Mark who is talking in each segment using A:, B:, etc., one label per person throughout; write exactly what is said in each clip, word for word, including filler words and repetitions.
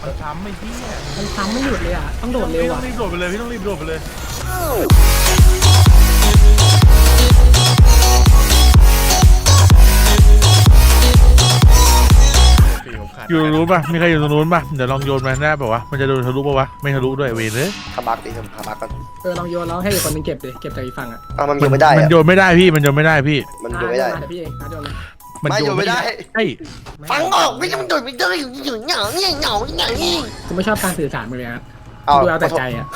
A: มันซ้ำไม่พี่
B: มันซ้ำไม่หยุดเลยอ่ะต้องโดดเร็ว
A: พี่ต้
B: อ่ะ
A: องรีบโดดไปเลยพี่ต้องรีบโดดไปเลยอยู่ตรงนู้นป่ะมีใครอยู่ตรงนู้นป่ะเดี๋ยวลองโยนมาได้ป่ะวะมันจะโดนทะลุป่ะวะไม่ทะลุด้วยเวรเลย
C: คาบักดิคาบักกัน
B: เออลองโยนแล้วให้อีกคนนึงเก็บดิเก็บจากอีกฝั่งอ่ะ
C: อ้าวมันโยนไม่ได้
A: มัน
C: อะ
A: โยนไม่ได้พี่มันโยนไม่ได้พี่
C: มันโยนไม่ได้
B: เดี๋ยวพี่เองโยนเลย
C: ไม่โยนไม่ได้
A: ใช่
C: ฟังออกไม่ต้องโดนไม่ได้อยู่เหงาเนี่ยเหงาอย่างนี้
B: กูไม่ชอบการสื่อสารมึงเลยฮะ
C: เอา
B: ดูเอาแต่ใจอ่ะ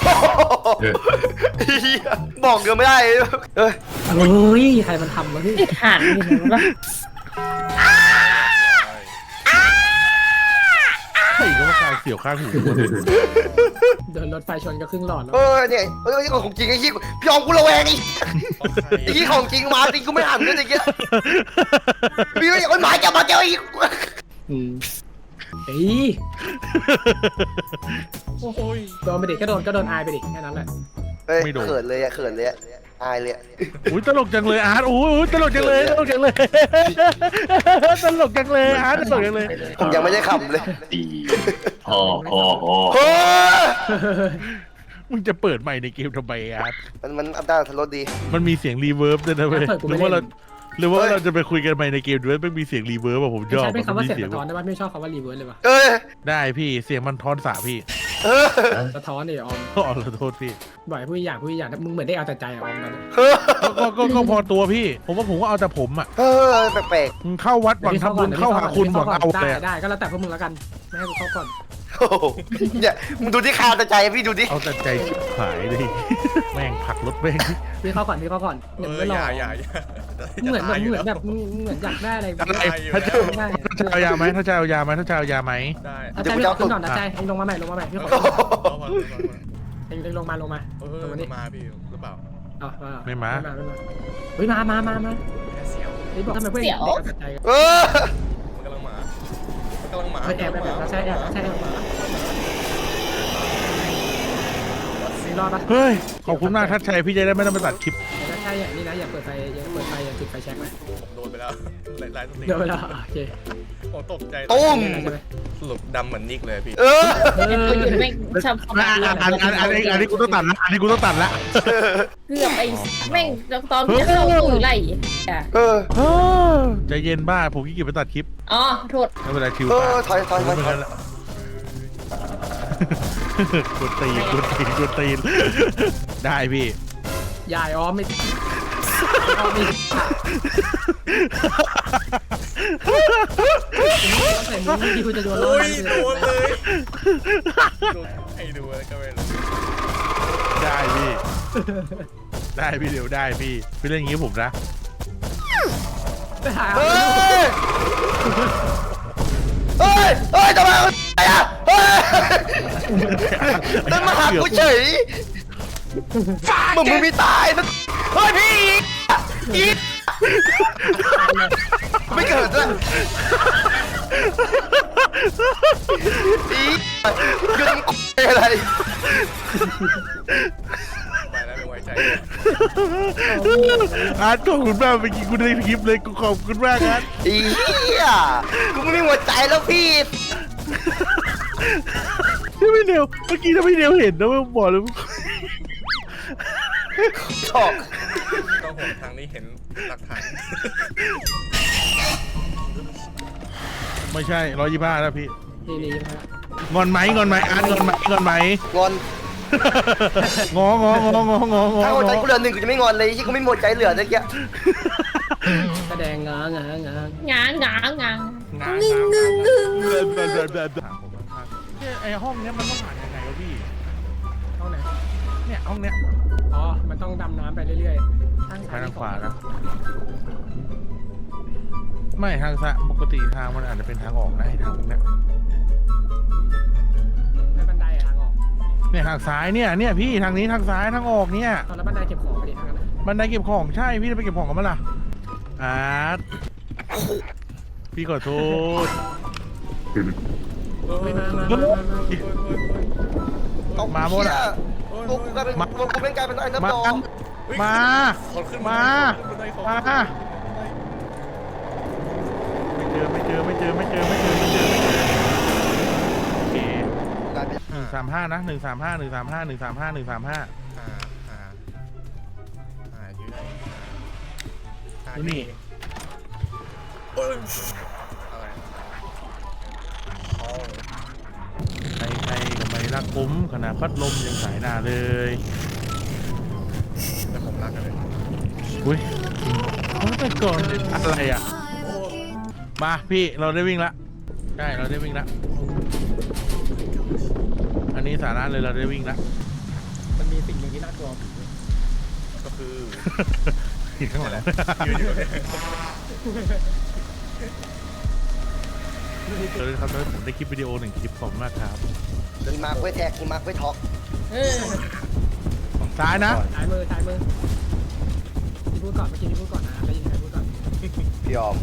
C: บอกโยนไม่ได้เอ้ย
B: เฮ้ยใครมันทำวะพี่
D: ติดหันอยู่นะ
A: ใช่ก็ว่าการเสียวข้างหู
B: เดินรถไฟชนก็ครึ่งหลอดแล้ว
C: เออเนี่ยเออนี่ของจริงไอ้ที่พี่ออมกูระแวงไอ้ไอ้ที่ของจริงมาจริงกูไม่หันด้วยไอ้เงี้ยพี่ไม่อยากให้หมาจับมาเจออีก
B: อืมเฮ้ยโอ้ยโดนไปดิก็โดนก็โดนอายไปดิแค่นั้นแหละ
C: เฮ้ยเขินเลยอะเขินเลยอะอายเลยอะ
A: อุ้ยตลกจังเลยอาร์ตโอ้ยตลกจังเลยตลกจังเลยตลกจังเลยอาร์ตตลกจังเลย
C: ผมยังไม่ได้ขำเลย
E: ดีโอ้โหโอ้
C: โอ้
A: มึงจะเปิดใหม่ในเกมทำไมอาร์ต
C: มันมันอัพด้านทะลุดี
A: มันมีเสียงรีเวิร์บด้วยนะเว้ยหรือว่าเราหรือว่าเราจะไปคุยกันใหม่ในเกมด้วยไม่มีเสียงรีเวิร์บอะผมช
B: ไม่
A: อบ
B: ใช่เป็นคำว่า
A: มี
B: เสียงสะท้อนได้ป่ะไม่ชอบคำว่ารีเวิร์สเลยป่ะ
C: เอ้ย
A: ได้พี่เสียงมันทอนสาพี่
C: เออ
B: สะท้อนดิออม
A: อ๋อขอโทษพี่
B: บ่อยพูดอย่างพูดอย่างมึงเหมือนได้เอาแต่ใจออมกัน
A: ก็ก็ก็พอตัวพี่ ผมว่าผมก็เอาแต่ผมอ่ะ
C: เออแปลก
A: มึงเข้าวัดหวังทำบุญเข้าหาคุณหวังเอา
B: ได้
A: เลยอะ
B: ได้ก็แล้วแต่พวกมึงแล้วกันไม่ให้กูเข้าก่อน
C: ๆโอ้โหเนี่ยมึงดูที่คาตาใจพี่ดูดิ
A: เอาแต่ใจชิบหายเลยแม่งผลักรถแม่ง
B: พี่เข้าก่อนพี่เข้าก่อนเหมือนไม่รอเหมือนเหมือนแบบเหมือนอยากได้อะไร
A: อะไรถ้าจะถ้าจะเอายาไหมถ้าจะเอายาไหมถ้าจะเอายาไหม
F: ได้
B: อาจารย์พี่ขอขึ้นก่อนนะใจเองลงมาใหม่ลงมาใหม่พี่ขอ
F: รอก่อนรอก่อน
B: เองลงมาลงมา
F: เอ
B: ลงมานี่
F: อมาพี่หรือเปล่า
B: อ๋อ
A: ไม่มา
B: ไม่มาไม่มาเฮ้ยมามามามา
F: แค่เสียว
B: ไอ้บอกทำไมเพื่อนเด็กเอาแต่ใจกัน
C: เออ
F: มันกำลังมามันกำลังมา
B: ไปแอบไปแบบใช่แอบใช่แอบมีรอดปะ
A: เฮ้ยขอบคุณมากทัดชัยพี่จะได้ไม่ต้องไปตัดคลิป
B: ถ้าใช่อย่างนี้นะอย่าเปิดไฟอย่าเปิดไฟอย่าจุดไฟแช็กนะ
F: ผมโดนไปแล้วไล่ไล่สติ
B: เดี๋ยวเวลาโอเค
F: ผมตกใจ
C: ตุ้ม
B: ใช่ไหม
F: สรุปดำเหมือนนิกเลยพี่
C: เออ
D: เป็นตัวอยู่ไม่ชอบเข้า
A: อั
D: มาน
A: อันอันอันนี้อันนี้กูต้องตัดละอันนี้กูต้องตัดละ
D: เกือบไอ้แม่งตอนที่เข้าตู้ไล่อ่ะ
C: เออ
A: ใจเย็นบ้าผมขี้เกียจไปตัดคลิป
D: อ๋อโทษ
A: ไม่เป็นไรชิว
C: เอ
A: ตา
C: อถอยถอยถอยถอย
A: กดตีนกดตีนกดตีนได้พี่
B: ยายอ๋อไม่อ๋อไม่ใส่มือที่คุณจะโดน
F: โอ้ยโดนเลยโดนให้ดูแล้วก็ไม่รู้
A: ได้พี่ได้พี่เดี๋ยวได้พี่พี่เล่นอย่างนี้ผมนะ
C: เฮ้ยเฮ้ยเฮ้ยทำไมอะไรอ่ะเฮ้ยนั่นมาหากูเฉยมึงมึงมีตายนะเฮ้ยพี่อีกไม่เกิดด้วยอีกยืนอะไร
F: ไปแล้วไม่ไว้ใจ
A: อาร์ตขอบคุณมากเมื่อกี้กูได้คลิปเลยกูขอบคุณมากอาร์ต
C: อีอ่ะกูไม่มีหัวใจแล้วพี่
A: ที่ไม่เดียวเมื่อกี้ถ้าไม่เดียวเห็นนะว่าบอกเลย
C: ชอบ
F: ต้องห่วงทางนี้เห็นหลักฐาน
A: ไม่ใช่ร้อยยี่ห้าแล้วพี่
B: นี่นี่
A: งอนไหมงอนไหมอาร์ตงอนไหมงอนไหม
C: งอน
A: งององององององอ
C: ถ้าหัวใจกูเหลือหนึ่งกูจะไม่งอนเลยที่กูไม่หมดใจเหลือตะเกีย
B: แสดงงางางาง
D: างางางาง
A: งึงงึงงึงไอห้องเนี้ยมันต้องผ่านยังไงวะพี่
B: ห้องไหน
A: เนี่ยห้องเนี้ย
B: อ๋อมันต้องดำน้ำไปเรื่อยๆทาง
A: ไปทางขวานะไม่ทางซ้ายปกติทางมันอาจจะเป็นทางออกนะไอทางพวกเนี้ย
B: แล้วบันไดทางออก
A: เนี่ยทางซ้ายเนี่ยเนี่ยพี่ทางนี้ทางซ้ายทางออกเนี่ย
B: ตอนแล้วบันไดเก็บของไปดิทางนั้น
A: บันไดเก็บของใช่พี่จะไปเก็บของกันมั้ยล่ะอาร์ตพี่ขอโทษ
B: ไม่มามา
A: มาหมดอะ
C: กูกลายเป็นกูเป็นกลายเป็นไอ้น้ำ
A: มา
C: ดอง
A: มา
F: คนขึ้น
A: มา
F: มา
A: มาไม่เจอไม่เจอไม่เจอไม่เจอไม่เจอไม่เจอไม่เจอโอเคหนึ่งสามห้านะหนึ่งสามห้าหนึ่งสามห้าหนึ่งสามห้าหนึ่งสามห้า
F: อ่าอ่าอ่าอยู่ไหนอ่า
A: ดูนี่
F: เอ้ยอะไรโอ้
A: ใครใครก็ไม่รักผมขนาดพัดลมยังสายหน้าเลย
F: แต่ผมรักกันเลย
A: อุ้ยเขาแต่ก่อนอะไรอ่ะมาพี่เราได้วิ่งละใช่เราได้วิ่งละอันนี้สาระเลยเราได้วิ่งละ
B: มันมีสิ่งหนึ่งที่น่ากลัวผี
F: ก็คือ
A: อีกข้างหลัง
F: ยืนอยู่เนี่ย
A: เออครับผมได้คลิปวิดีโอหนึ่งคลิปขอบคุณมากครับ
C: มีมาร์คไว้แท็กมีมาร์คไว้ท็อก
D: เออ
A: ของซ้ายนะ
B: ซ้ายมือซ้ายมือพี่พูดก่อนเมื่อกี้พี่พูดก่อนนะได้ยินใครพูดก่อน
C: พี่ออม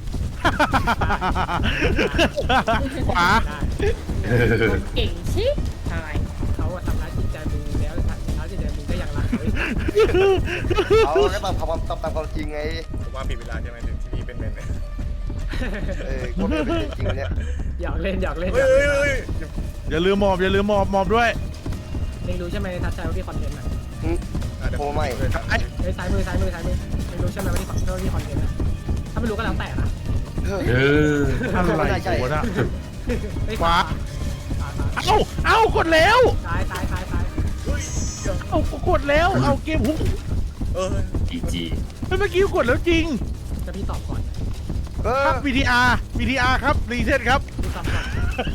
A: ขวา
B: ได้
D: เก่งชิบหาย
B: เขาอะทำร้ายจิตใจมึงแล้วทำร้ายจิตใจมึงก็ยังรักเขาอีก
C: เขาก็ตามความตามตามความจริงไง
F: ผมว่าผิดเวลาใช่ไหมถึงที่พี่เป็นเมนเนี่ย
C: เออคนเป็นจริงเนี่ย
B: หยอกเล่นหยอกเล่นหย
F: เฮ้ย
B: อก
F: เฮ้
B: เล่
F: ย
B: น
F: เฮ้ย
A: อย่าลืมหมอบอย่าลืมหมอบหมอบด้วย
B: เองรู้ใช่ไหมทัชใจว่าพี่คอนเทนต์อะ
F: อ่ะเดี๋ยวผมไม่เลยครับ
B: เฮ้ยซ้ายมือซ้ายมือซ้ายมือเองรู้ใช่ไหมว่าพี่คอนเทนต์อะถ้าไม่รู้ก็แล้วแต่นะ
C: เออ
E: เออ
A: อะไรกูนะ
B: เฮ้ย
A: ขวา
B: ขวาขวา
A: เอ้าเอ้ากดแล้ว
B: ซ้ายซ้ายซ้ายซ้าย
F: เฮ้ย
A: เอ้ากดแล้วเอาเกมหุบ
F: เออ
E: จีจี
A: เมื่อกี้กดแล้วจริง
B: จะพี่ตอบก่อน
C: เออ
A: ครับ วี ที อาร์ วี ที อาร์ ครับรีเซ็ตครับ
B: พี่ตอบก่อน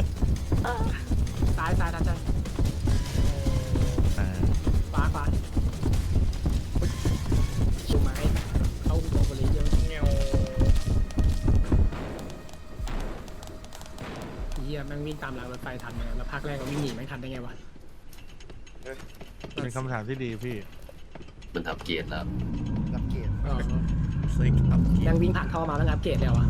B: ซ้ายซ้ายทัชใจขวาขวาชูไม้เข้าหัวบริเยอะ
F: เงี้ยว
B: เฮียแม่งวิ่งตามรางรถไฟทันเลยแล้วภาคแรกก็วิ่งหนีแม่งทันได้ไงวะ
A: เป็นคำถามที่ดีพี่
E: มันทำเกียรติแล้ว
C: รับเกียรติ
B: อ๋อ
F: ซิกอัพ
B: แม่งวิ่งผ่านท่อมาแล้วอัปเกรดแล้วอะ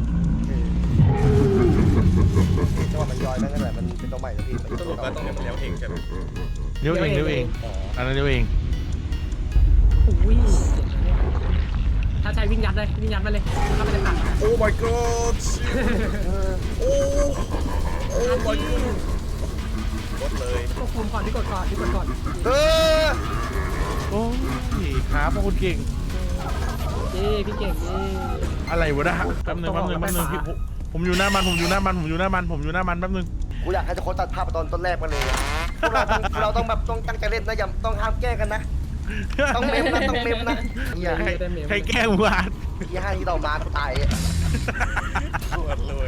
C: จังหวะมันย้อยนั่นแหละมันเป็นตัวใหม่แล้วพี่มัน
F: สรุปว่าต้องเลี้ยวเองใช่ไหม
A: เลี้ยวเองเลี้ยวเอง
F: อ๋อ
A: อันนั้นเลี้ยวเอง
B: อุ้ยเจ็บนะเนี่ยถ้าใช้วิ่งยัดเลยวิ่งยัดมาเลยเข้าไปในถัง
F: โอ้ my god โอ้ โอ้ my god กดเลย
B: กดคุมก่อนที่กดก่อนที่กดก่อน
C: เออ
A: โอ้ยขาพวกคุณเก่ง
B: เย้พี่เก่งเย้
A: อะไรวะนะแป๊บนึงแป๊บนึงแป๊บนึงพี่ผมผมอยู่หน้ามันผมอยู่หน้ามันผมอยู่หน้ามันผมอยู่หน้ามันแป๊บนึง
C: กูอยากให้ทุกคนตัดภาพไปตอนต้นแรกมาเลยอะพวกเราต้องเราต้องแบบต้องตั้งใจเล่นนะอย่าต้องห้ามแกล้งกันนะ ต้องเมมนะต้องเมมนะอย่า
A: ใคร
B: ได้เมม
A: ใครแกล้งวาน
C: อย่าให้ที่ต่อมากูตายอะ
F: ปวดเลย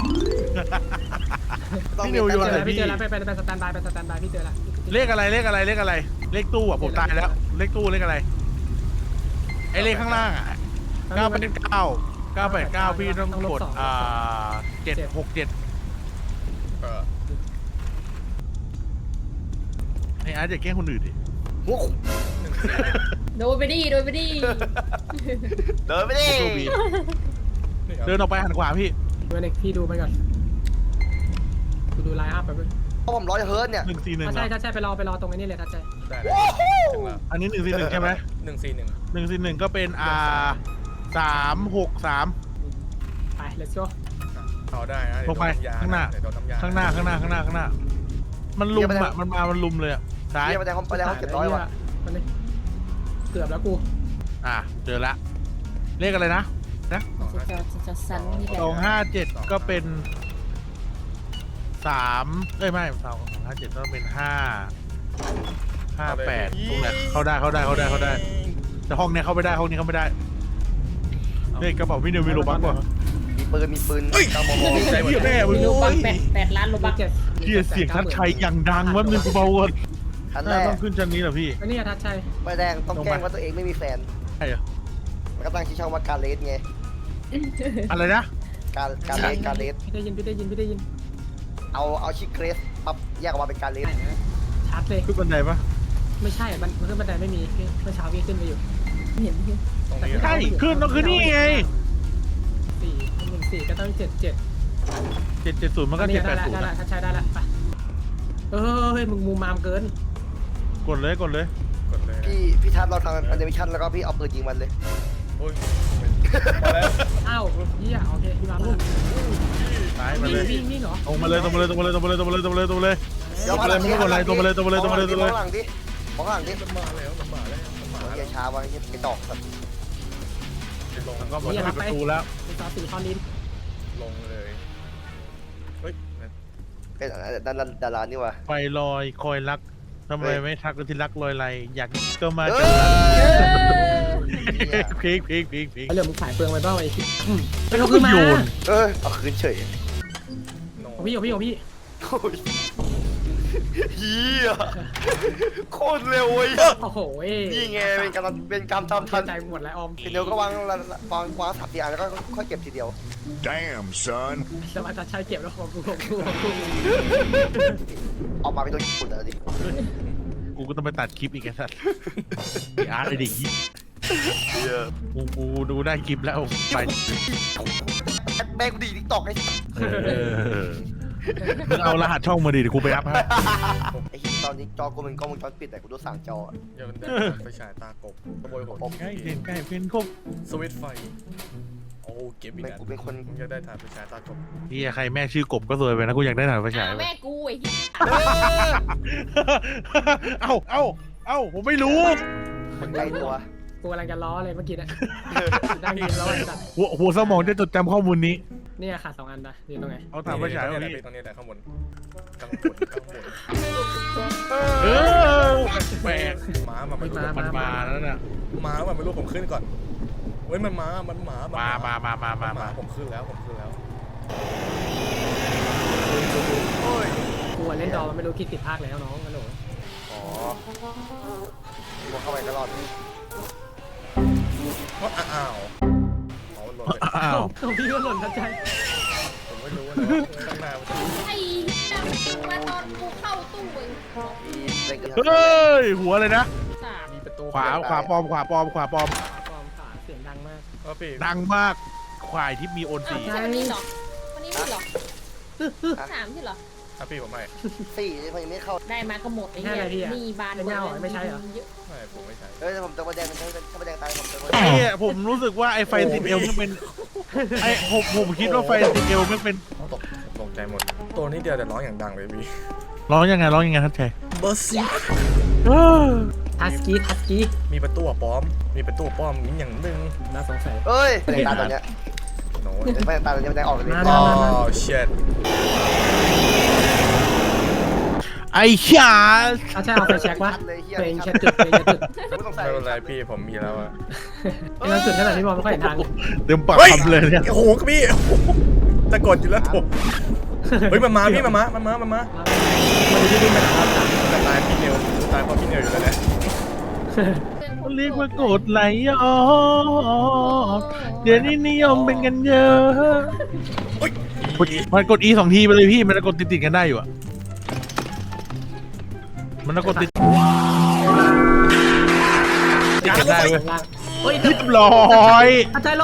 C: ต้อง
A: พี่
C: เม
A: นิว
C: ม
A: อยู่
C: นะ
A: อะไร
B: พี่
A: พี่
B: เจอแล้วไปไปไปสแตนบายไปสแตนบายพี่เจอแล้ว
A: เลขอะไรเลขอะไรเลขอะไร เลขตู้อ่ะผมตายแล้ว เลขตู้เลขอะไรไอเลขข้างล่างอ่ะเก้าแปดเก้าเก้าแปดเก้าพี่ต้องกดอ่าเจ็ดหกเจ็ด
F: เออ
A: ไออาร์ตอย่าแกล้งคนอื่นดิ
C: หัวขุ่
D: โดนไปดิโดนไปดิ
C: เดินไปดิ
A: โชคดีเดินออกไปหันขวาพี่
B: เมื่อนึงพี่ดูไปก่อนดูดูไลน์อัพไปเพื่อน
C: เพราะผมร้อยเฮิร์ตเนี่ย
A: หนึ่งสี่หนึ่ง
B: ถ้าใช่ถ้าใช่ไปรอไปรอตรงนี้เลยถ้าใช่
F: ได้เลยถึงแล้ว
A: อันนี้หนึ่งสี่หนึ่งใช่ไหม
F: หนึ่งสี่หนึ่ง
A: หนึ่งสี่หนึ่งก็เป็นอ่าสามหกสาม
B: ไป let's go
F: เอาได้นะ
A: ลงไปข้างหน้า
F: เดี๋ยวโดนน้ำยา
A: ข้างหน้าข้างหน้าข้างหน้าข้างหน้า มันลุมอ่ะมันมามันลุมเลยอ่ะซ้าย
C: เรียกไปแต่ห้องไปแต่ห้องเจ็ดร้อยว่ะ
B: มันนี่เกือบแล้วกู
A: อ่ะเจอละเลขอะไรนะนะ
D: จะจะจะจะสันนี่แหละ
A: สองห้าเจ็ดก็เป็นสามเอ้ยไม่สองห้าเจ็ดต้องเป็นห้าห้าแปดตรงไหนเข้าได้เข้าได้เข้าได้เข้าได้ แต่ห้องเนี้ยเข้าไม่ได้ห้องนี้เข้าไม่ได้เฮ้ยกระเป๋าพี่นิวมีโลบักป่ะ
C: มีปืนมีปืนเก้ามม
A: ไอ้เหี้ยแม่มึง
D: มีโลบัก
A: โอ้ย
D: แปดแปดล้านโลบัก
B: เจ็ด
A: เหี้ยเสียงทัดชัยอย่างดังว่ามึงกูเบาก่อน
C: ชั้นแร
A: น่าก ต้องขึ้นชั้นนี้เหรอพี่
B: อันนี้ทัชชัย
C: ไปแดงต้องแกล้งว่าตัวเองไม่มีแฟน
A: ใช่เหรอ
C: มันก็ตั้งชื่อช่องว่าการเลสไง
A: อะไรนะ
C: การการเลสการเลส
B: พี่ได้ยินพี่ได้ยินพี่ได้ยิน
C: เอาเอาชื่อเกรสปั๊บแยกออกมาเป็นการเลส
B: ชัดเลย
A: ขึ้นบันไดปะ
B: ไม่ใช่มันมันขึ้นบันไดไม่มีพี่เมื่อเช้าพี่ขึ้นไปอยู่
D: เห็นพี่
F: ตรงนี้
A: ใช่ขึ้นต้องขึ้นนี่ไง
B: สี่หนึ่งสี่ก็ต้องเจ็ดเจ็ด
A: เจ็ดเจ็ดศูนย์มันก็
B: นี่
A: เจ็ด
B: ได้
A: แปด
B: ละ
A: ศูน
B: ได้
A: ย์
B: ละทัชชัยได้ละไปเออเฮ้ยมึงมูมามเกิน
A: กดเลยกดเลย
F: กดเลยนะ
C: พี่พี่ทัศน์เราทำมันจะมีชั้นแล้วก็พี่เอาปืนยิงมันเลย
F: โอ้ยมาแล้ว
B: อ้าวเฮียโอเคพี่มาลูก
A: ซ้ายมา
B: วิ่
A: เลย
B: งวิ่งวิ่งเหรอ
A: ตรงมาเลยตรงมาเลยตรงมาเลยตรงมาเลยตรงมาเลยตรงมาเลยตรงมาเลย
C: เดี๋ยว
A: ตัวเลยไม่ต้องกดอะไรตัวมาเลยตัวมาเลยตัวมาเลยตัว
C: ม
A: มา
C: อง
A: เลย
C: หลังดิมองหลังดิ
F: มันมาแล้วมันมาแล้วมันมา
C: เฮี
F: แล้
C: ยว ช้าวะเฮียกระจอกสัตว์
F: ลง
A: ก็หมดปิดประตูแล้ว
B: มีซอสสีทอนดิน
F: ลงเลยเฮ้ย
C: เป็นดาราดารานี่วะ
A: ไฟลอยคอยรักทำไมไม่ทักกันที่รักลอยไรอยากก็มา
C: เอ
A: จัง
C: อ
A: เพลงเพลงเพลงเพลง
B: ไอ้เหลือมึงขายเปลืองไปบ้างไอ้ไม่ต้องขึ้นมา
A: โยน
C: เออเอาคืนเฉย
F: โน
B: ของพี่ของพี่ของพี่
C: โอ้ยเฮียโคตรเร็วเว้ย
B: โอ้โห
C: นี่ไงเป็นการเป็นการทำทัน
B: ใจหมดแล้วออม
C: ทีเดียวก็วางวางวางสับทีอันแล้วก็ค่อยเก็บทีเดียว
G: Damn, son.
B: สมาจะใช้เก็บแล้วของกูของกูของกู
C: ออกมาเป็นตัวญี่ปุ่นเลยดิ
A: กูก็ต้องไปตัดคลิปอีกไอ้สัสไอ้อาร์ตไอ้เด็กยี่กูกูดูได้คลิปแล้วไป
C: แม่กูดีทิกตอกไอ้
A: เออมึงเอารหัสช่องมาดิเดี๋ยวกูไปอัพให้
C: ไอ้ตอนนี้จอกูเป็นกล้องวงจรปิดแต่กูดูสั่งจอ
F: อย่ามันได้ไฟฉายตากบขโมยผม
A: ใกล้เห็นใกล้เป็นครบ
F: สวิตช์ไฟโอ้เก็บอีก
C: แม่
F: แล้ว
C: กูเป็นคน
F: ผมอยากได้ถ่านไฟฉายตากบ
A: เฮียใครแม่ชื่อกบก็สวยไปนะกูอยากได้ถ่านไฟฉาย
D: อ้าวแม่กูไอ้เหี้ย
A: เอ้าเอ้าเอ้าผมไม่รู้
C: คนใกล้ตัว
B: กูกำลังจะล้อเลยเมื่อกี้นะนั่งยินล้อไอ้สัตว์
A: หัวหัวสมองจะจดจำข้อมูลนี้
B: เนี่ยขาดสองอันนะอยู่ตรงไหน
A: เอาถ่านไฟฉาย
F: ตร
A: มาง
F: นี้
A: พี่
F: ตรงนี้แหละข้างบนข้างบนข้างบน
A: เออแปลก
F: ม้ามาไม่รู้
A: มันมาแล้วน่ะ
F: ม้ามาไม่รู้ผมขึ้นก่อนเฮ้ยมันม้ามันม้า
A: มามามามามา
F: มา
A: มา
F: ผมขึ้นแล้วผมขึ้นแล้ว
B: กูเล่นดอมันไม่รู้คิดผิดพลาดแล้วน้องฮัลโหล
C: อ๋อกูเข้าไปตลอด
F: อ้าวอ๋อหล่นเลย
A: อ้าว
B: ของพี่ก็หล่นทันใจ
F: ผมไม่รู้ว่าข้างหน้ามันจะ
D: ไอ้เหี้ยมาตอนกูเข้าตู้เอง
A: เฮ้ยหัวเลยนะ
D: สาม
F: มีประตู
A: ขวาขวาปลอมขวาปลอมขวาปลอม
B: ปลอมขาเสียงดังมาก
F: ก็พี่
A: ดังมากควายที่มีโอนสี
D: อ้าววันนี้เหรอวันนี้เหรอสามที่เหรอ
F: ถ้าพี่ผมไม่
C: สี่มันยังไม่เข้า
D: ได้มาก็หมดไอ้เหี้ยนี่บานเยอะ
F: ไม่ผมไม่ใช่
C: เฮ้ยผมจะมาแดงถ้าถ้ามาแดงตายผมจะมา
A: ไอ้เนี่ยผมรู้สึกว่าไอ้ไฟติดเอวมันเป็นไอ้ผมผมคิดว่าไฟติดเอวมันเป็น
F: ตกตกใจหมดตัวนี้เดียวแต่ร้องอย่างดังเลยพี่
A: ร้องยังไงร้องยังไงท่านชัย
F: เบอร์ซี่
B: ทัสกี้ทัสกี้
F: มีประตูป้อมมีประตูป้อมนี้อย่างหนึ่ง
B: น่าสงสัย
C: เฮ้ยแดงตาตัวเนี้ย
F: โน้ต
C: แดงตาตัวเนี้ยแดงออกเลย
F: อ๋อเช็ด
A: ไอ้ชา
B: ถ้าใช่เอาไฟแช็กวะตัวเองแค่จุดตัวเองแค่จุด
C: ไม่ต้องใส่
F: ไม่เป็นไรพี่ผมมีแล้วอะ
B: ไอ้เราจุดขนาดที่มองไม่ค่อยเห็นทาง
A: เต็มปากคำเลยเนี่ย
F: โอ้โหพี่จะกดอยู่แล้วถูกเฮ้ยมันมาพี่มันมามันมามันมา
B: มันจะดิ้นไปไหนวะ
F: จะตายพี่เนียวตายเพราะพี่เนียวอยู่แล้วเนี่ย
A: เรียกว่ากดไหลอ๋อเดี๋ยวนี้นิยมเป็นกันเยอะกดมันกด E สองทีไปเลยพี่มันจะกดติดติดๆกันได้อยู่อะมันจะกดติดติดกันได้เว้ย
B: เฮ้ย
A: เรียบร้อย
B: อาจารย์ลง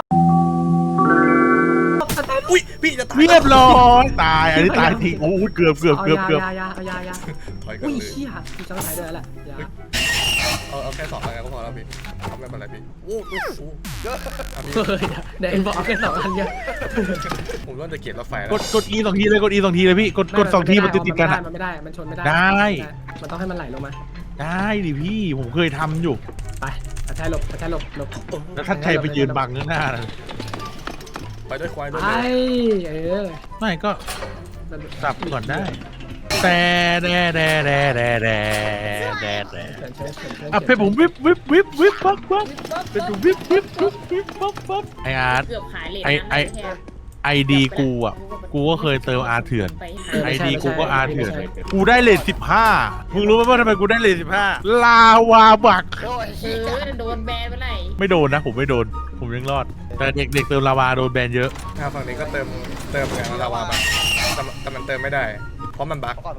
F: อุ้ยพี่จะตาย
A: เรียบร้อยตายอันนี้ตายทิ้งโอ้ยเกือบเกือบเกือบเกือบ
B: ยายายายา
F: ถอยกัน
B: อุ้ย
F: เลย
B: เชี่ยมีจังหวะด้วยแหละยา
F: เอาเอาแค่สองอะไรก็พอแล้วพี่ทำไม่เป็นไรพี่โอ้โห
B: เฮ้ยเดี๋ยวเอ็นบอกแค่สองอันเยอะ
F: ผมเริ่มจะเกลียดรถไฟแล้ว
A: กดกด E สองทีเลยกด E สองทีเลยพี่กดกดสองทีมันติดติดๆกันอะ
B: มันไม่ได้มันชนไม่ได้
A: ได้
B: มันต้องให้มันไหลลงมา
A: ได้ดิพี่ผมเคยทำอยู่
B: ไปอาจารย์หลบอาจารย์หลบหลบ
A: แล้วถ้าใครไปยืนบังข้างหน้าน่ะ
F: ไปด้วยควายด้วย
B: ไอ้เออ
A: ไม่ก็สับก่อนได้ แต่แดแดแดแดแดแดแดอ่ะเพลงผมวิบวิบวิบวิบปั๊บปั๊บเป็นวิบวิบวิบวิบปั๊บปั๊บไออาร์ต
D: เกือบขายเลย
A: ไอไอไอดีกูอ่ะกูก็เคยเติมอาร์เถื่อนไอดีกูก็อาร์เถื่อนกูได้เลทสิบห้ามึงรู้ไหมว่าทำไมกูได้เลทสิบห้าลาวาบัก
C: โอ้ย
D: เออโดนแบนไปไหน
A: ไม่โดนนะผมไม่โดนผมยังรอด แต่เด็กเด็กเติมลาวาโดนแบนเยอะ
F: ทางฝั่งนี้ก็เติมเติมเหมือนกันลาวาแบบแต่แต่มันเติมไม่ได้ เพราะมันบั๊ก
C: ก่อน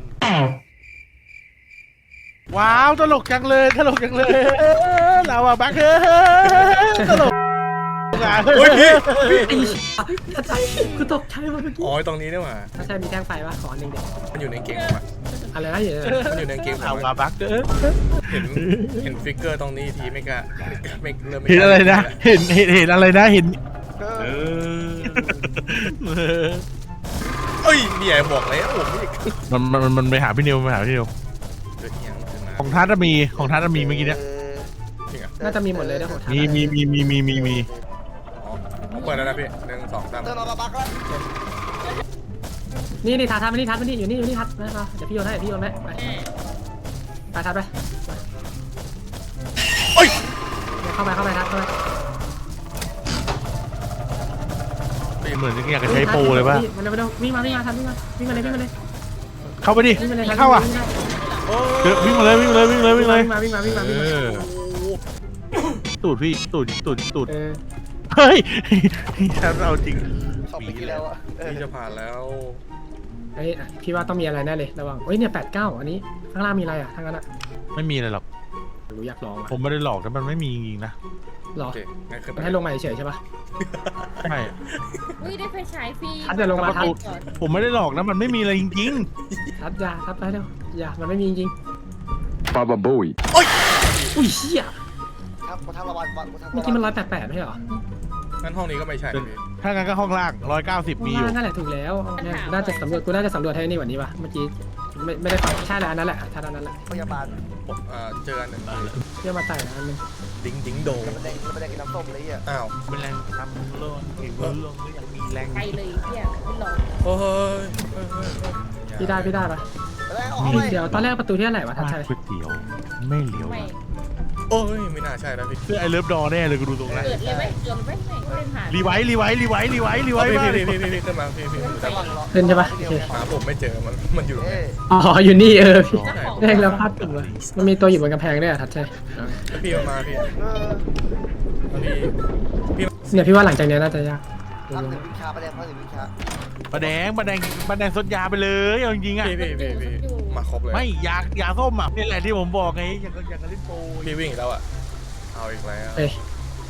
A: ว้าวตลกจังเลยตลกจังเลยลาวาบักเฮ้ตลก
F: เฮ้ยพี่
B: ไอ้อาจารย์คือตกใจมาเมื่อกี้
F: อ๋อตรงนี้นี่หว่า
B: อาจารย์มีแท่งไฟวะขอหนึ่งเด็ก
F: มันอยู่ในเกมผมอะ
B: อะไรนะอยู่
F: มันอยู่ในเกมผม
A: ลาวา
F: อะ
A: บักเ
F: เห็นเห็นฟิกเกอร์ตรงนี้ทีไม่กล้าไม่เริ่ม
A: ห็นอะไรนะเห็นเห็นเห็นอะไรนะเห็น
C: เอ
A: เอ
C: อ
A: อ
F: เอ้ยเนี่ยบอกแล้วผมนี่
A: มันมันมันมันไปหาพี่นิวไปหาพี่นิว
F: เกิดยังขึ้นมา
A: ของทัศน์มีของทัศน์มีเมื่อกี้เนี้ย
F: จริงอ่ะ
B: น่าจะมีหมดเลยนะของทัศน์
A: มีมีมีมีมีมีมี
F: อ๋อเปิดแล้วนะพี่หนึ่งสองสาม
C: เดินมาบักแล้ว
B: นี่นี่ทัศน์ทัศน์มานี่ทัศน์มานี่อยู่นี่อยู่นี่ทัศน์มาเดี๋ยวพี่โยนให้พี่โยนให้ไปไปทัศน์ไป
F: เอ้ย
B: เข้าไปเข้าไปทัศน์เข้าไป
A: เหมือนอยากจะใช้โปรเลยป่ะ
B: มันเร็วมันเร็ววิ่งมาวิ่งมาทัศน์วิ่งมาวิ่งมาเลยวิ่งมาเลย
A: เข้าไปดิ
B: วิ่งมาเลยทัศน์
A: เข้าอ่ะ
F: โอ้
A: เดี๋ยววิ่งมาเลยวิ่งมาเลยวิ่งเลยวิ่งเลย
B: วิ่งมาวิ่งมาวิ่งมาวิ่ง
A: เอ
B: มา
A: อตูดพี่ตูดตูดตูด
B: เออ
A: เฮ้ยฉันเอาจริง
C: ชอบไปกินแล้วอ่ะ
F: พี่จะผ่านแล้ว
B: เฮ้ยพี่ว่าต้องมีอะไรแน่เลยระวังเฮ้ยเนี่ยแปดเก้าอันนี้ข้างล่างมีอะไรอ่ะทางนั้นอ่ะ
A: ไม่มีอะไรหรอก
B: รู้อยากลองอ่ะ
A: ผมไม่ได้หลอกแต่มันไม่มีจริงๆนะ
B: หรอ
F: โอเคงั้นขึ้นไป
B: มันให้ลงมาเฉยๆใช่ปะ
A: ใช่
D: อุ้ยได้ไฟฉายฟรี
B: ทัศน์เดี๋ยวลงมาทัศน์
D: ก่อน
A: ผมไม่ได้หลอกนะมันไม่มีอะไรจริง
B: ทัดยาทัดไปเร็วอย่ามันไม่มีจริง
G: Baba Booey.
B: ๆอุ้ยเชี่ย
C: ครับมาทำระบายวันมาทำ
B: เมื่อกี้มันร้อยแปดแปดไม่ใช่เหรอ
F: งั้นห้องนี้ก็ไม่ใช่พี่
A: ๆ ถ้างั้นก็ห้องล่างร้อยเก้าสิบมีอยู่
B: นั่นแหละถูกแล้วเอาเนี่ยกูน่าจะสำรวจกูน่าจะสำรวจให้นี่กว่านี้ป่ะเมื่อกี้ไม่ไม่ได้ฟังใช่แหละอันนั้นแหละทัดอันนั้นแหละ
C: พยาบาล
F: ผมอ่าเจออันหนึ่ง
B: เที่ยวมาใส่นะอันนึง
F: ดิ้งดิ้งโด
C: มันแดงมันแดงกินน้ำส้มเลยอ่ะ
F: อ้าว
A: เป็นแรงทำโลนเก่งโลนก็ยังมีแรง
D: ไปเลยเที่ยไม่หลอก
F: โอ้ยเฮ้ยเฮ้ยเฮ้ย
B: พี่ได้พี่ได้ปะ
C: แล้วออกไป
B: เดี๋ยวตอนแรกประตูที่ไหนวะทัด
A: ร้าน
B: ชัย
A: ก๋วยเตี๋ยวไม่เหลียว
D: ไม่
F: โอ้ยไม่น่าใช่แล้วพี่
A: เพื่อไอเลิฟดอแน่เลยกูดูตรงนั้น
D: เกิดเลยไหมเกิดเลยไหมไม่ไม่เล่นผ่าน
A: รีไวท์รีไวท์รีไวท์รีไวท์รีไว
F: พี่
A: ท์
F: พี่
A: มา
F: พี่พี่พี่ขึ้นมาพี่พี่
C: จะหลังเหรอ
B: ขึ้นใช่ปะโอเค
F: หาผมไม่เจอมันมันอยู่ตรง
C: เอ้
F: นี้
C: ย
B: อ๋ออยู่นี่เออพี่
D: เจ้าของ
B: แดงแล้วพลาดตึกเลยมันมีตัวอยู่บนกำแพงด้วยอะทัดชัย
F: แล้วพี่มาพี่
C: เออ
F: แล้วพี่พี่
B: เนี่ยพี่ว่าหลังจากเนี้ยน่าจะยาก
C: พักหนึ่งวิชาประเด็นพักหนึ่งวิชา
A: ปลาแดงปลาแดงปลาแดงสดยาไปเลยเอาจริงๆอ่ะ
F: พี่พี่พี่พี่มาครบเลย
A: ไม่ยายาส้มอ่ะนี่แหละที่ผมบอกไงอยากอยากจะเล่นโปร
F: พี่วิ่งอีกแล้วอ่ะเอาอีกแล้ว
B: เอ้ย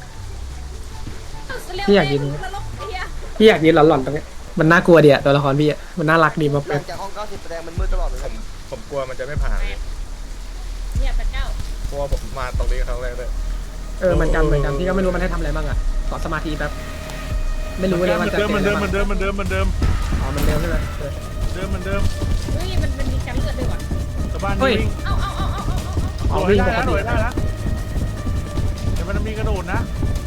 D: เร็ว
B: พี่อยากยืน
D: นรกไอ้เหี้ย
B: พี่อยากยืนหลอนๆตรงเนี้ยมันน่ากลัวดีอะตัวละครพี่อะมันน่ารักดีมา
C: หลั
B: เป๊ะ
C: งจากห้องเก้าสิบประเด็นมันมืดตลอดเลย
F: ผมผมกลัวมันจะไม่ผ่าน
D: เนี่ยแปดเก้า
F: เพราะว่าผมมาตรงนี้ครั้งแรกเลย
B: เออเหมือนกันเหมือนกันพี่ก็ไม่รู้มันให้ทำอะไรบ้างอะขอสมาธิแป๊บไม่รู้เลย
A: เห
B: มั
A: มื
B: น
A: อน
B: จะ
A: เดิมเหมือนเดิมเหมือนเดิมเหมือนเดิมเหมือนเดิม
B: อ๋อมันเร็วใช่ไหมเออ
A: เหมือนเดิมเหมือนเดิม
D: เฮ้ยมันมันมีการเลือดด้วยว่ะ
A: ชาวบ้าน
B: เฮ้ย
A: วิ่ง
D: เอาเอาเอาเอาเอาเอา
B: อ๋อ
A: โดด
B: วิ่ง
A: ได้
B: ปก
A: นะโด
B: ติ
A: ดได้นะแต่มันมีกระโดดนะ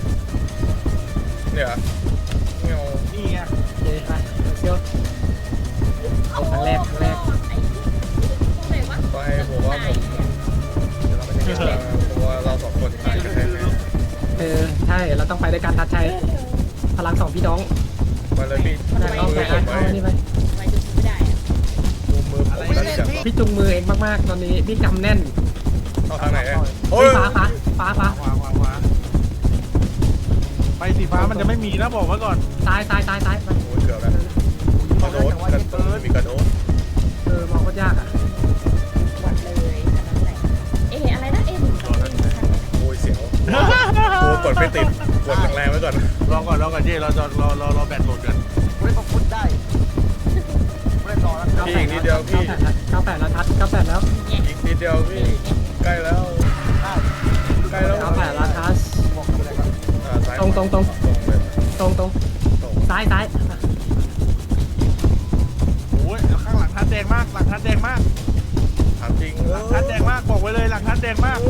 F: เนี่ยเงา
A: นี่ไง
B: โอเคไปเที่ยวเอาครั้งแรกครั้งแรก
D: ไอ้ตรงไหนวะ
F: ก็ให้ผมว่าผมเดี๋ยวเราไม่ใช่แค่เพราะว่าเราสองคนตายกันแน่
B: เออใช่เราต้องไปด้วยกันทัดชัยพลังสองพี่น้อง
F: ๆมาเลยพี่
B: แต่เอา
F: มื
B: แต่
F: อผ
B: เอา
F: มไว้
B: อันนี้ไป
D: ทำไมดูไม่ได้อะ
F: ดูมือผมแล้วจับ
B: พี่จุงมือเองมากๆตอนนี้พี่กำแน่น
F: เข้าทางไหนอ่ะโอ้
B: เฮ้
F: ย
B: ยฟ้าฟ้าฟ้าฟ้า
A: ขวาขวาขวาไปสีฟ้ามันจะไม่มีนะบอกไว้ก่อน
B: ซ้ายซ้ายซ้ายซ้ายไป
F: โอ้ยเกือบแล้วกระโดดกระโดดมีกระโดด
B: เออมองก็ยากอ่ะ
D: หวัดเลยอันนั้นแหละเอ๊ะอะไรนะเอ๊ะหนึ่งสองหนึ่งสาม
F: โอ้ยเสียวโอ้กดไม่ติดกดแรงๆไว้ก่อน
A: รอก่อนรอก่อนเจ้เราจะรอรอรอแบตหมดกัน
C: กูเล่นฟุตได้กูเล่นรอแล้ว
F: พี่อีกนิดเดียวพี่
B: เก้าแปดแล้วทัดเก้าแปดแล้ว
F: อีกนิดเดียวพี่ใกล้แล้ว
C: ได้
F: ใกล้แล้ว
B: เก้าแปดแล้วทัด
C: บอกกูเลยก่อน
F: อ่าซ้าย
B: ตรงตรงตรง
F: ตรงเลย
B: ตรงตรง
F: ตรง
B: ซ้ายซ้าย
A: โอ้ยข้างหลังทัดแดงมากหลังทัดแดงมาก
F: ถามจริง
A: หลังทัดแดงมากบอกไว้เลยหลังทัดแดงมาก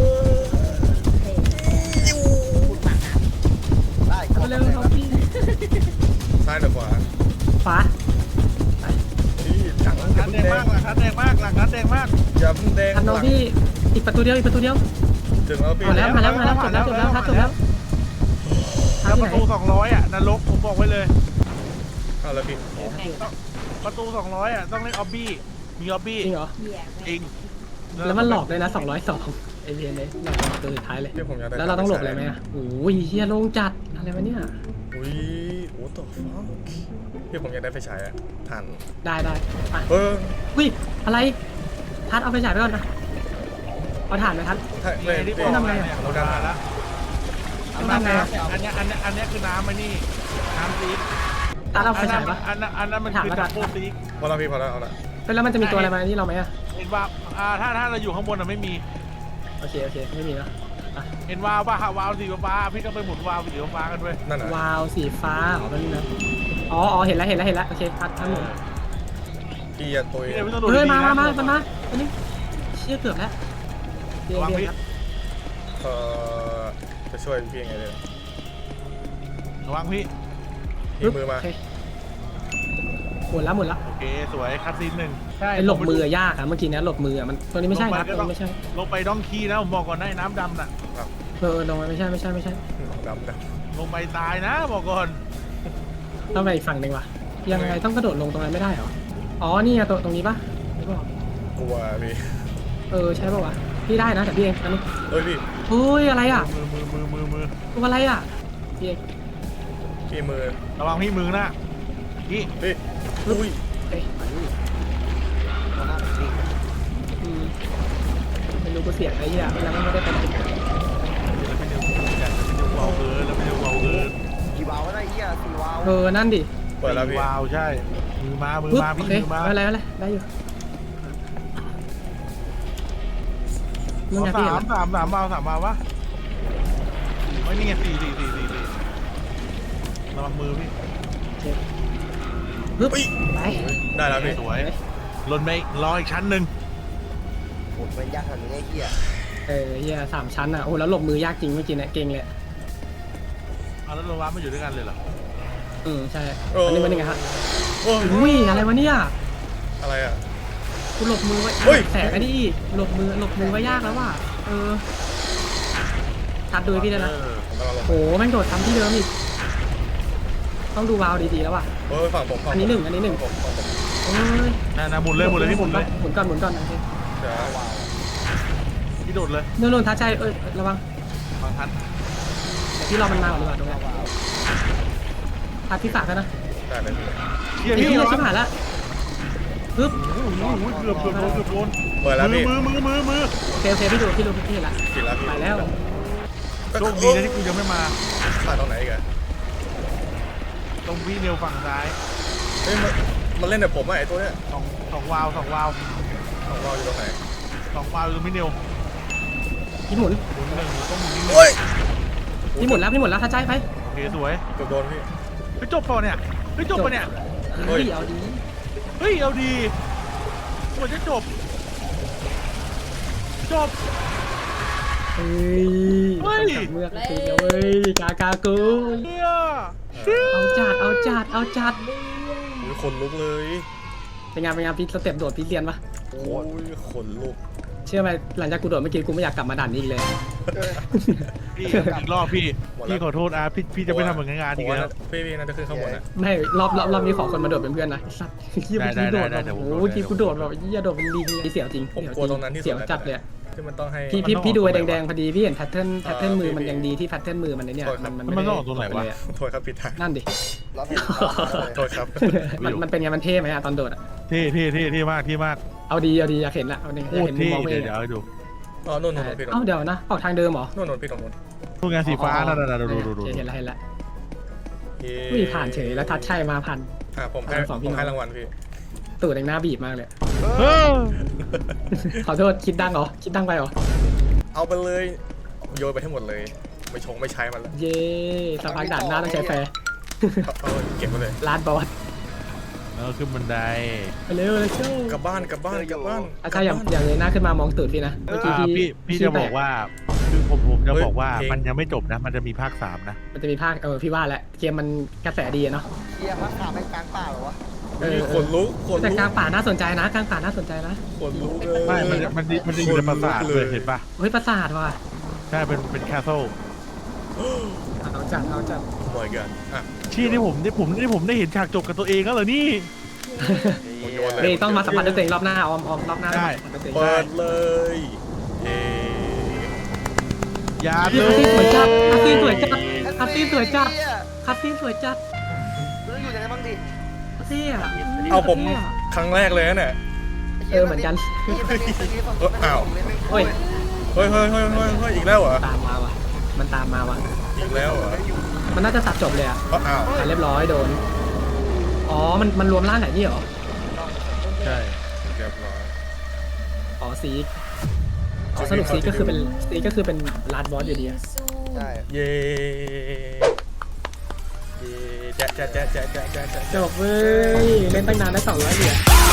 C: ได้
B: เร็วเขาพี่
F: ซ้ายหรือขวา
B: ฟ้า
F: พี่จัง
A: หลังทัดแดงมากหลังทัดแดงมากหลังทัดแดงมาก
F: อย่าเพิ่งแดง
B: ทันน้องพี่อีกประตูเดียวอีกประตูเดียว
F: ถึงแล้วพี่
B: มาแล้วมาแล้วมาแล้วจบแล้วจบแล้วทัดจบแล้วทั
A: แล้
B: ด
A: ว
B: ที่
A: ป
B: ไหน
A: ระตูสองร้อยอ่ะนรกผมบอกไว้เลย
F: เอาแล้วพี่
A: ประตูสองร้อยอ่ะต้องเล่นออบบี้มีออบบี้
B: จริงเหรอ
D: เหี้ย
A: จริง
B: แล้วมันหลอกเลยนะสองร้อยสองไอเวียนเลยหลอกประตูสุดท้ายเลย
F: พี่ผมอยากได้
B: แล้วเราต้องหลบอะไรไหมอ่ะโอ้ยเฮียโล่งจัดอะไรวะเนี่ย
F: อุ้ยโอ้ตัวฟ้าพี่ผมอยากได้ไฟฉายอะทัน
B: ได้ได้ไป
F: เออ
B: อุ้ยอะไรทัดเอาไปฉายไปก่อนนะเอาถ่านไปทัด
F: ถ้า
A: นี่
F: เลย
A: ไงที่บ
F: พี่
A: อก
B: ทำไงอะ
A: เนี่ย
F: เรา
A: เรา
F: ดั
A: ดั
F: น
A: นแล้ว
B: เอาทำไงอะ
A: อันเนี้ยอันเนี้ยอันเนี้ยคือน้ำไอ้นี่น้ำซีด
B: ทัดเอาไป
A: อัน
B: ฉา
A: นั้
B: ย
A: น
B: ปะ
A: อันนั้นอันนั้นมัน
B: ถาม
A: คือ
B: แล้วกั
A: ดั
B: น
A: บเบิลซีด
F: พอแล้วพี่พอแล้วเอาละ
B: แล้วมันจะมีตัวอะไรมาที่เราไหมอ่ะ
A: เห็นว่าอ่าถ้าถ้าเราอยู่ข้างบนอ่ะไม่มี
B: โอเคโอเคไม่มีเนอะอ่ะ
A: เห็นวาวป่ะฮะวาวสีฟ้าๆพี่ต้องไปหมุนวาวสีฟ้าๆกันด้วย
F: นั่นน่ะ
B: วาวสีฟ้าอ๋อมันนะอ๋ออ๋อเห็นแล้วเห็นแล้วเห็นแล้วโอเคทัดทัดหมด
F: พี่อย่าตุย
A: พี่ไม่ต้องโดด
B: เฮ้ย
A: ดีๆ
B: มา
A: นะ
B: มามามามาอันนี้เชี่ยเกือบแล้วเดี๋ยว
A: ระวัง
B: เดี๋
A: พี่
B: ยว
F: เอ่อจะช่วยพี่ยังไงเลย
A: ระวังพี่
F: ทีมือมา
B: โอเคหมดแล้วหมดแล้ว
A: โอเคสวยคัดซีนหนึ่งใช่
B: ไอ้หลบมือยากอะเมื่อกี้เนี้ยหลบมืออะมันตัวนี้ไม่ใช่ครับตัวนี้ไม่ใช่
A: ลงไปดองคีนะผมบอกก่อนนะไอ้น้ำดำน่ะ
B: เออลงไปไม่ใช่ไม่ใช่ไม่ใช่
F: ดำด
A: ลงไปตายนะบอกก่อน
B: ต้องไปอีกฝั่งหนึ่งว่ะยังไงต้องกระโดดลงตรงนั้นไม่ได้เหรออ๋อนี่ไงตรงตรงนี้ปะไม่บอก
F: ำกลัวพี่
B: เออใช่ปะวะพี่ได้นะแต่พี่เองอันนี้
F: เฮ้ยพี่
B: เฮ้ยอะไรอ่ะ
A: มือมือมือมือมือ
B: ตัวอะไรอ่ะพี่เอง
F: พี่มือ
A: ระวังพี่มือนะพี่
F: พี่อุ้ย
B: เอ้ยอืมไม่รู้กูเสียงอะไรอ่ะแล้วมันไม่ได้ไปไหน
A: แล้วไม่เร็วอยากจะไม่เร็วเบาเกินแล้วไม่เร็วเบาเกิน
C: กี่วาวก็ได้เหี้ยสี่วาว
B: เออนั่นดิ
F: เปิดแล้วพี่
A: วาวใช่มือมามือ
B: ปึ๊บ
A: มา
B: โอ
A: พี่
B: เค
A: มือมา
B: อะไรอะไรได้อยู่มึงไงพี่
A: สา
B: เห็น
A: ม
B: ไหม
A: สามสามวาวสามวาววะไม่นี่ไงสี่สี่สี่สี่สี่ระวังมือพี่
B: ปึ๊บ
F: อุ้ย
B: ไป
F: ได้แล้วพี่
A: สวยลนไปรออีกชั้นหนึ่ง
C: โหดเป็นยากขนาดนี้ไอ้เหี้ย
B: เออเฮียสามชั้นอ่ะโอ้แล้วหลบมือยากจริงเมื่อกี้เนี่ยเก่งเลย
A: เอาแล้วโรวามาอยู่ด้วยกันเลยเหรอ
B: อืมใช่อันนี้มันยังไงฮะ
F: โอ้ย
B: อุ้ยอะไรวะเนี่ย
F: อะไรอ่ะ
B: กูหลบมือไว้
F: เฮ้ย
B: แสงไอ้นี่หลบมือหลบมือไว้ยากแล้วว่ะเออทัดดูให้พี่ด้วยนะ
A: เออ
F: ผมกำลังลง
B: โอ้แม่งโดดทำที่เดิมอีกต้องดูวาวดีๆแล้วว่ะ
F: เฮ้ยฝั่งผมฝั่งผม
B: อันนี้หนึ่งอันนี้หนึ่ง
F: ฝั่งผมฝั่งผม
B: โอ้ย
A: น่าน่าหมุนเลยหมุนเลยพี่หมุนเลย
B: หมุนก่อนหมุนก่อนโอเค
F: เดี๋ยว
A: พี่โดดเลย
B: โน่นโน่นทัดใจเอ้ยระวัง
A: บางทัน
B: เดี๋ยวพี่รอมันมาก่อนดีกว่าตรงนี้ทัดที่ฝากกันนะ
F: ได้เลยพี่
A: เฮีย
B: ไอ้
A: พี่
B: ที่
A: เหร
B: เรา
A: อ
B: ชิบหายละปึ๊บ
A: โอ้โหเกือบเกือบโดนเกือบโดน
F: เปิดแล้ว
A: มือ
F: พี่
A: มือมือมือมือ
B: โอเคโอเคพี่ดูพี่ดูพี่เห็นละ
F: กินแล้วพี่
B: ไปแล้ว
A: โชคดีนะที่กูยังไม่มา
F: ถ่ายตรงไหนอีกัน
A: ตรงพี่เนียวฝั่งซ้าย
F: เฮ้ยมันมันเล่นแต่ผมอะไอตัวเนี้ย
A: สองสองวาวสองวาว
F: ของเราอยู่ตรงไหน
A: สองวาวอยู่ตรงพี่เนียว
B: พี่หมุน
A: หมุนหนึ่งต้องหมุนนิดนึง
F: โอ้ย
B: พี่หมุนแล้วพี่หมุนแล้วทัดใจไป
A: โอเคสวย
F: เกือบโดนพี่
A: เฮ้ยจบเปล่าเนี่ยเฮ้ยจบปะเนี่ย
F: เฮ้
B: เฮ้
F: ย
B: ยเอาดี
A: เฮ้ยเอาดีกว่าจะจบจบ
B: เฮ้ย
A: เฮ้ย
B: เมื่อกตีเดียวเว้ยกากากู
A: เฮีย
B: เอาจัดเอาจัดเอาจัด
F: อุ้ยขนลุกเลย
B: เป็นไงเป็นไงพี่สเต็ปโดดพี่เรียนปะ
F: โอ้ยขนลุก
B: เชื่อไหมหลังจากกูโดดเมื่อกี้กูไม่อยากกลับมาด่านนี้อีกเลย
A: พี่อีกรอบพี่พี่ขอโทษอาพี่พี่จะไม่ทำเหมือนงานอีกแล้ว
F: พี่พี่น่าจะขึ้นข้างบนอะ
B: ไม่รอบรอบรอบนี้ขอคนมาโดดเป็นเพื่อนนะไอ้สัตว์เฮียเมื่อกี้โดด
A: ได้
B: แบบ
A: ได้ได้
B: โอ้
A: ได้
B: โหเมื่อกี้กูโดดแบบเฮียโดดเป็นลิงเสียวจริง
F: ผม
B: เสียว
F: กลัว
B: จ
F: ต
B: ริ
F: รง งนั้นที่สุด
B: เสียวจัดเลยอะ
F: ที่มันต้องให้
B: พี่พี่
A: มันต้อง
B: พี่ดู
A: ออก
B: ไอ้
A: ตรงไหนวะ
B: แดงๆพอดีพี่เห็นแพทเทิร์นแพทเทิร์นมือมัน
F: พี่
B: ยังดีที่แพทเทิร์นมือมันเนี่ย
F: โทษครับ
B: มัน
A: มันต้องออกตรงไหนวะ
B: เลยอะ
F: โทษครับผิดทาง
B: นั่นดิ
C: รับเห็น
F: โทษครับ
B: มันมันเป็นไงมันเท่ไหมอะตอนโดดอะ
A: เท่เท่เท่เท่มากเท่มาก
B: เอาดีเอาดีอยากเห็นละเอาดีอ
A: โค
B: ยาก
A: ตร
B: เห็นมุม
A: เท่
B: มองตัว
A: เดี๋
B: เอย ง
A: วเดี๋ยว
B: อะ
A: ให้ดู
F: อ๋อนู่นนู่นพี่ตรง
B: เอ้าเดี๋ยวนะออกทางเดิมเหรอ
F: นู่นนู่นพี่ตรงนู้น
A: พวกงานสีฟ้านั่นน่ะดูดูดู
B: โอเคเห็นแล้วเห็นแล้ว
F: เย้
B: อุ้ยผ่านเฉยแล้วทัดชัยมาผ่าน
F: อ่ะผมให้
B: สองพี่
F: ผม
B: น้อง
F: ให้รางวัลพี่
B: ตูดแดงหน้าบีบมากเลย
A: เออ
B: ขอโทษคิดดังเหรอคิดดังไปเหรอ
F: เอาไปเลยโยนไปให้หมดเลยไม่ชงไม่ใช้มันแล้ว
B: เย่สะพานด่านหน้าต้องใช้แฟร์
F: เอาเอาเก็บไปเลย
B: ลาดบอส
A: แล้วขึ้นบันได
B: ไปเร็วเลยเจ้าก
F: ลับบ้านกลับบ้านกลับบ้าน
B: อาจารย์อย่างอย่างเลยหน้าขึ้นมามองตูดพี่นะเมื่อกี้
A: อ่า
B: พี่
A: พี่พี่จะบอกว่าคือผมผมจะบอกว่า
F: เฮ้ย
A: มันยังไม่จบนะ มันจะมีภาคสามนะ
B: มันจะมีภาคเออพี่ว่าแหละเกมมันกระแสดีอะเนาะ
C: เหี้ยพักขาไปกลางป่าเหรอวะ
B: เออ
F: ขนลุกขน
B: แต่
F: ลุก
B: กลางป่าน่าสนใจนะกลางป่าน่าสนใจนะ
F: ขนลุกเลย
A: ไม่ มันจะมันจะมันจะอยู่ในปราสาทเลยเห็นปะ
B: เฮ้ยปราสาทว่ะ
A: ใช่ เป็นเป็นแคสเซิล
B: เอาจัดเอาจัด
F: โอ้ยกันอ่ะ
A: ที่ที่ผมที่ผมที่ผมได้เห็นฉากจบกับตัวเองแล้วเหรอนี่
F: ผมโยนเลย
B: นี่ต้องมาสัมผัสด้วยตัวเองรอบหน้าออมออมรอบหน้า
A: ได้
B: สัมผัสด้วยตัวเอง
F: เปิดเลยเย้
A: ยา
B: คั
A: เล
B: ส
A: ย
B: ซีนสวยจัดคัสซีนสวยจัดคัสซีนสวยจัด
C: เหี้ย
B: คัสซีนสวยจัด
C: รู้อยู่ยังไงบ้างดิ
B: คัสซีนอะ
F: เอาผมครั้งแรกเลยนะเนี่ย
B: เออเหมือนกัน
F: เอออ้าว
B: โอ้ย
F: เฮ้ยเฮ้ยเฮ้ยเฮ้ยเฮ้ยอีกแล้วเหรอ
B: ตามมาว่ะมันตามมาว่ะ
F: อีกแล้วเหรอ
B: มันน่าจะตัดจบเลยอะ
F: เอ้าอ้าว
B: อ่ะเรียบร้อยโดนอ๋อมันมันรวมร่างไหนนี่เหรอ
A: ใช่
F: เรียบร้อย
B: อ๋อซีกอ๋อสรุปซีกก็คือเป็นซีกก็คือเป็นลาดบอสอยู่ดีอะ
C: ใช่
F: เย้เย้แจ๊ะแจ๊ะแจ๊ะแจ๊ะแจ๊ะแจ๊ะแจ๊ะ
B: จบเว้ยเล่นตั้งนานได้สองร้อยเหรียญ